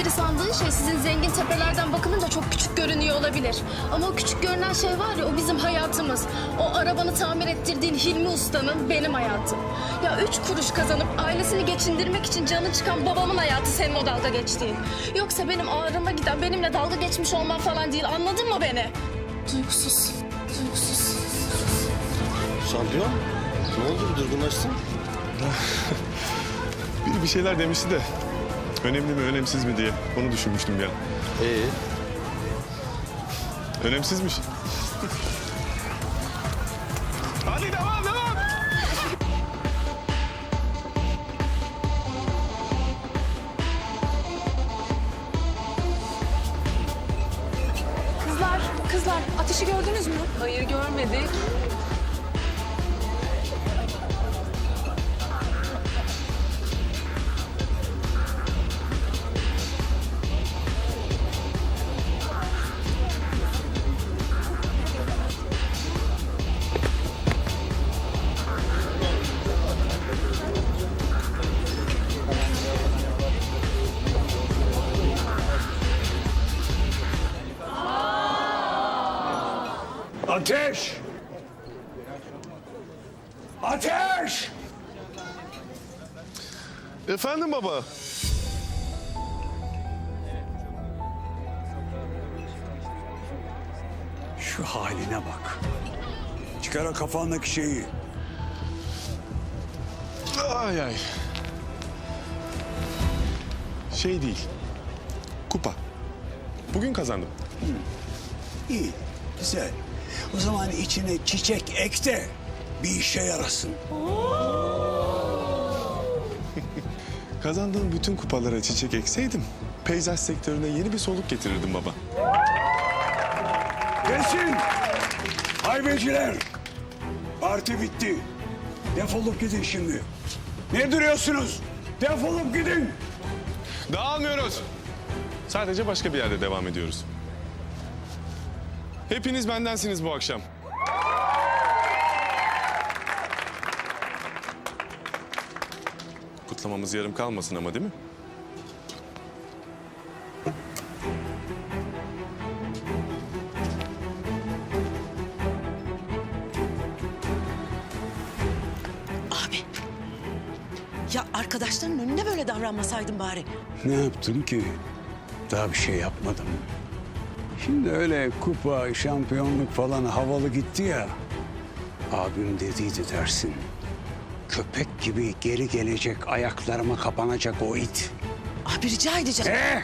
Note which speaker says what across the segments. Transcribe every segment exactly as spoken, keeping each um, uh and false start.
Speaker 1: espri sandığın şey sizin zengin tepelerden bakılınca çok küçük görünüyor olabilir. Ama o küçük görünen şey var ya, o bizim hayatımız. O arabanı tamir ettirdiğin Hilmi Usta'nın benim hayatım. Ya üç kuruş kazanıp ailesini geçindirmek için canı çıkan babamın hayatı senin o dalga geçtiğin. Yoksa benim ağrıma giden, benimle dalga geçmiş olman falan değil, anladın mı beni? Duygusuz, duygusuz.
Speaker 2: Şampiyon, ne oldu, bir durgunlaştın?
Speaker 3: Biri bir şeyler demişti de önemli mi önemsiz mi diye onu düşünmüştüm ya.
Speaker 2: Ee,
Speaker 3: Önemsizmiş. Hadi devam devam.
Speaker 4: Kızlar, kızlar ateşi gördünüz mü? Hayır görmedik.
Speaker 5: Ateş! Ateş!
Speaker 3: Efendim baba.
Speaker 5: Şu haline bak. Çıkar o kafandaki şeyi.
Speaker 3: Ay ay. Şey değil. Kupa. Bugün kazandım.
Speaker 5: İyi, güzel. O zaman içine çiçek ek de bir işe yarasın.
Speaker 3: Kazandığım bütün kupalara çiçek ekseydim peyzaj sektörüne yeni bir soluk getirirdim baba.
Speaker 5: Gelsin! Haybeciler! Parti bitti. Defolup gidin şimdi. Ne duruyorsunuz? Defolup gidin.
Speaker 3: Dağılmıyoruz. Sadece başka bir yerde devam ediyoruz. Hepiniz bendensiniz bu akşam. Kutlamamız yarım kalmasın ama, değil mi?
Speaker 6: Abi. Ya arkadaşların önünde böyle davranmasaydın bari.
Speaker 5: Ne yaptım ki? Daha bir şey yapmadım. Şimdi öyle kupa, şampiyonluk falan havalı gitti ya. Abim dediydi dersin. Köpek gibi geri gelecek, ayaklarıma kapanacak o it.
Speaker 6: Abi rica edeceğim.
Speaker 5: Ee?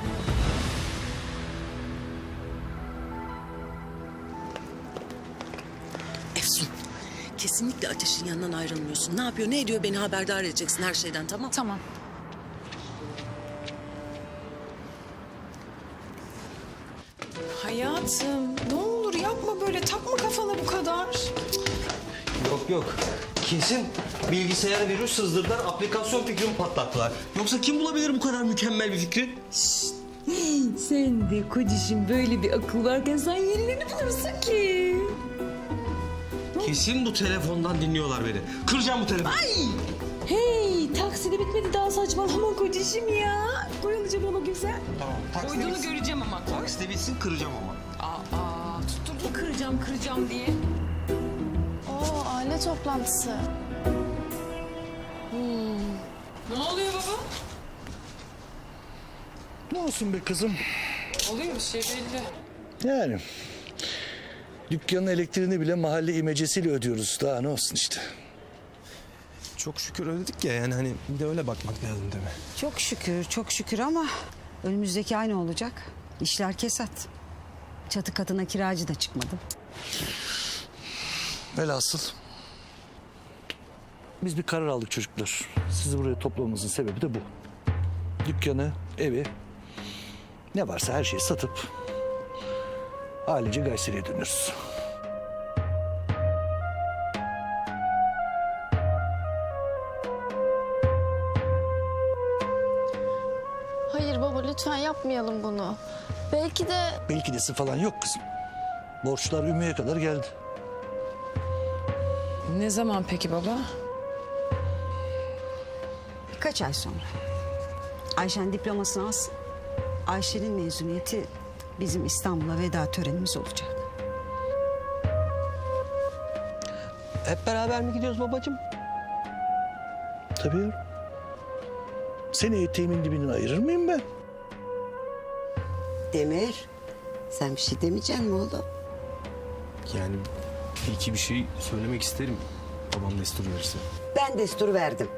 Speaker 6: Efsun. Kesinlikle Ateş'in yanından ayrılmıyorsun. Ne yapıyor, ne ediyor beni haberdar edeceksin her şeyden, tamam?
Speaker 4: Tamam. Hayatım ne olur yapma böyle, takma kafana bu kadar.
Speaker 2: yok yok. Kesin bilgisayara virüs sızdırdılar, aplikasyon fikrini patlattılar. Yoksa kim bulabilir bu kadar mükemmel bir fikri?
Speaker 7: Sen de kocişim böyle bir akıl varken sen yenilerini bulursun ki.
Speaker 2: Kesin bu telefondan dinliyorlar beni. Kıracağım bu telefonu.
Speaker 7: Hey takside bitmedi daha saçmalama kocişim ya. Koyulacağım ona güzel.
Speaker 2: Tamam, takside
Speaker 7: Koyduğunu
Speaker 2: bitsin.
Speaker 7: göreceğim ama.
Speaker 2: Takside bitsin, kıracağım ama.
Speaker 7: Aa tutturdu kıracağım kıracağım diye.
Speaker 1: Oo, aile toplantısı.
Speaker 4: Ne oluyor baba?
Speaker 8: Ne olsun be kızım?
Speaker 4: Oluyor bir şey belli.
Speaker 8: Yani dükkanın elektriğini bile mahalle imecesiyle ödüyoruz. Daha ne olsun işte.
Speaker 2: Çok şükür ödedik ya, yani hani bir de öyle bakmak lazım değil mi?
Speaker 9: Çok şükür, çok şükür ama önümüzdeki ay ne olacak? İşler kesat. Çatı katına kiracı da çıkmadı.
Speaker 8: Velhasıl biz bir karar aldık çocuklar. Sizi buraya toplamamızın sebebi de bu. Dükkanı, evi, ne varsa her şeyi satıp ailece Gayseri'ye dönüyoruz.
Speaker 1: Hayır baba, lütfen yapmayalım bunu. Belki de...
Speaker 8: Belki desi falan yok kızım. Borçlar Ümmü'ye kadar geldi.
Speaker 4: Ne zaman peki baba?
Speaker 9: Birkaç ay sonra. Ayşen diplomasını alsın. Ayşe'nin mezuniyeti bizim İstanbul'a veda törenimiz olacak.
Speaker 2: Hep beraber mi gidiyoruz babacığım?
Speaker 8: Tabii yavrum. Seni eteğimin dibinden ayırır mıyım ben?
Speaker 10: Demir, sen bir şey demeyecek misin oğlum?
Speaker 11: Yani bir iki bir şey söylemek isterim. Babam destur verirse.
Speaker 10: Ben destur verdim.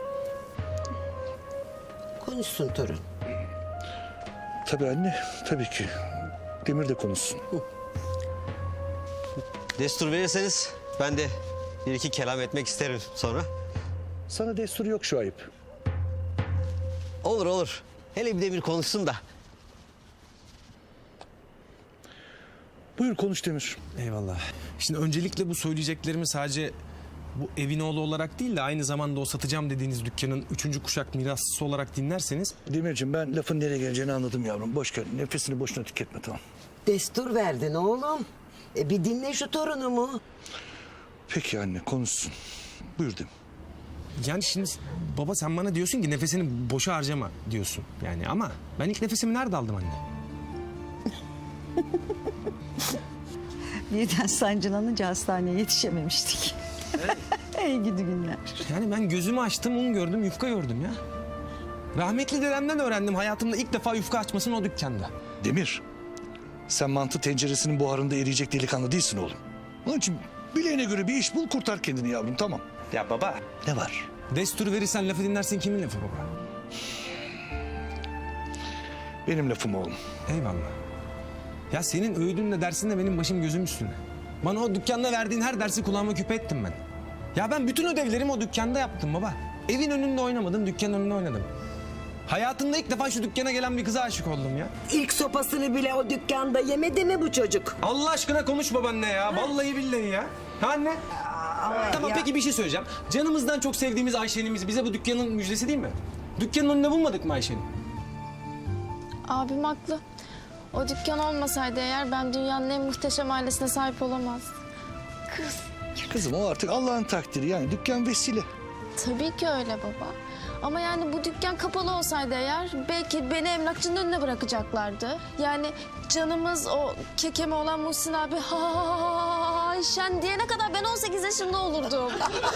Speaker 10: Konuşsun torun.
Speaker 8: Tabii anne, tabii ki. Demir de konuşsun.
Speaker 2: Destur verirseniz ben de bir iki kelam etmek isterim sonra.
Speaker 8: Sana destur yok şu ayıp.
Speaker 2: Olur olur. Hele bir de bir konuşsun da.
Speaker 8: Buyur konuş Demir.
Speaker 11: Eyvallah. Şimdi öncelikle bu söyleyeceklerimi sadece bu evin oğlu olarak değil de aynı zamanda o satacağım dediğiniz dükkanın üçüncü kuşak mirasçısı olarak dinlerseniz...
Speaker 8: Demirciğim ben lafın nereye geleceğini anladım yavrum. Boş ver. Nefesini boşuna tüketme tamam.
Speaker 10: Destur verdin oğlum. E bir dinle şu torunumu.
Speaker 8: Peki anne konuşsun. Buyur Demir.
Speaker 11: Yani şimdi baba sen bana diyorsun ki nefesini boşa harcama diyorsun. Yani ama ben ilk nefesimi nerede aldım anne?
Speaker 9: Birden sancılanınca hastaneye yetişememiştik. Ey gidi günler.
Speaker 11: Yani ben gözümü açtım, un gördüm, yufka gördüm ya. Rahmetli dedemden öğrendim hayatımda ilk defa yufka açmasını o dükkanda.
Speaker 8: Demir. Sen mantı tenceresinin buharında eriyecek delikanlı değilsin oğlum. Onun için bileğine göre bir iş bul kurtar kendini yavrum tamam.
Speaker 11: Ya baba.
Speaker 8: Ne var?
Speaker 11: Destur verirsen lafı dinlersin kimin lafı baba?
Speaker 8: Benim lafım oğlum.
Speaker 11: Eyvallah. Ya senin öğüdünle dersinle benim başım gözüm üstüne. Bana o dükkanda verdiğin her dersi kulağıma küpe ettim ben. Ya ben bütün ödevlerimi o dükkanda yaptım baba. Evin önünde oynamadım, dükkanın önünde oynadım. Hayatımda ilk defa şu dükkana gelen bir kıza aşık oldum ya.
Speaker 10: İlk sopasını bile o dükkanda yemedi mi bu çocuk?
Speaker 11: Allah aşkına konuş babaanne ya. Vallahi billahi ya. Ha anne? Tamam peki bir şey söyleyeceğim. Canımızdan çok sevdiğimiz Ayşe'nimiz bize bu dükkanın müjdesi değil mi? Dükkanın önünde bulmadık mı Ayşe'ni?
Speaker 1: Abim haklı. O dükkan olmasaydı eğer ben dünyanın en muhteşem ailesine sahip olamazdım. Kız.
Speaker 8: Kızım o artık Allah'ın takdiri yani dükkan vesile.
Speaker 1: Tabii ki öyle baba. Ama yani bu dükkan kapalı olsaydı eğer belki beni emlakçının önüne bırakacaklardı. Yani canımız o kekeme olan Muhsin abi ha ha ha ha Ayşen diyene kadar ben on sekiz yaşında olurdum.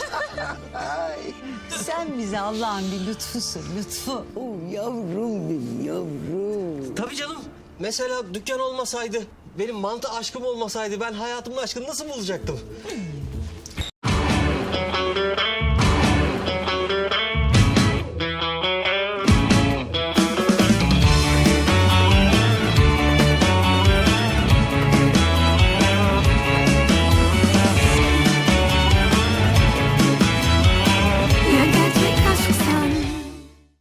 Speaker 9: Sen bize Allah'ın bir lütfusun, lütfu.
Speaker 10: Oh, yavrum benim yavrum.
Speaker 2: Tabii canım. Mesela dükkan olmasaydı, benim mantı aşkım olmasaydı ben hayatımın aşkını nasıl bulacaktım?